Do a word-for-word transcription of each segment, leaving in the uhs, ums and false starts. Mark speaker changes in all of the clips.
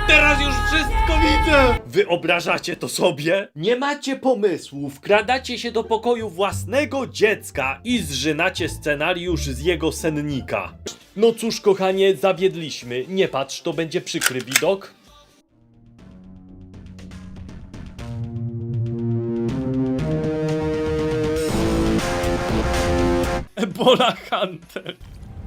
Speaker 1: Teraz już wszystko widzę! Wyobrażacie to sobie? Nie macie pomysłu, wkradacie się do pokoju własnego dziecka i zżynacie scenariusz z jego sennika. No cóż, kochanie, zawiedliśmy. Nie patrz, to będzie przykry widok. Ebola Hunter.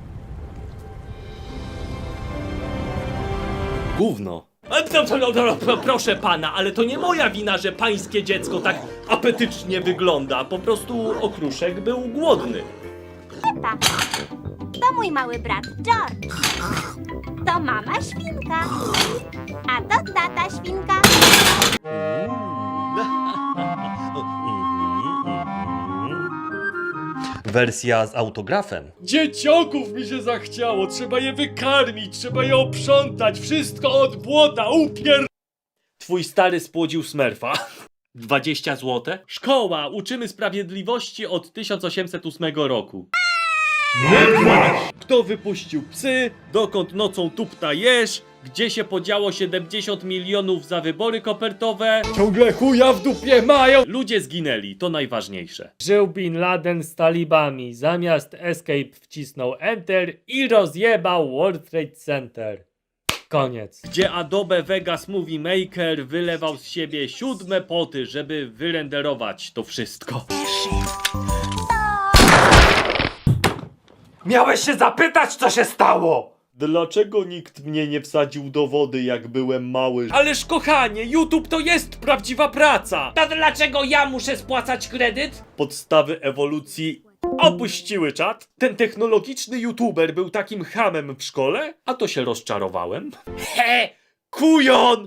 Speaker 1: Gówno. A, no, no, no, no, proszę pana, ale to nie moja wina, że pańskie dziecko tak apetycznie wygląda. Po prostu okruszek był głodny.
Speaker 2: Pepa. To mój mały brat George. To mama świnka. A to tata świnka.
Speaker 1: Wersja z autografem. Dzieciaków mi się zachciało, trzeba je wykarmić, trzeba je oprzątać, wszystko od błota, upier... Twój stary spłodził smerfa. dwadzieścia złotych? Szkoła, uczymy sprawiedliwości od tysiąc osiemset ósmego roku. Nie płacz! Kto wypuścił psy? Dokąd nocą tupta jesz? Gdzie się podziało siedemdziesiąt milionów za wybory kopertowe? Ciągle chuja w dupie mają! Ludzie zginęli, to najważniejsze. Żył Bin Laden z talibami. Zamiast escape wcisnął enter i rozjebał World Trade Center. Koniec. Gdzie Adobe Vegas Movie Maker wylewał z siebie siódme poty, żeby wyrenderować to wszystko.
Speaker 3: Miałeś się zapytać, co się stało!
Speaker 1: Dlaczego nikt mnie nie wsadził do wody, jak byłem mały? Ależ kochanie, YouTube to jest prawdziwa praca!
Speaker 4: To dlaczego ja muszę spłacać kredyt?
Speaker 1: Podstawy ewolucji opuściły czat. Ten technologiczny YouTuber był takim chamem w szkole, a to się rozczarowałem.
Speaker 4: He!
Speaker 1: Kujon!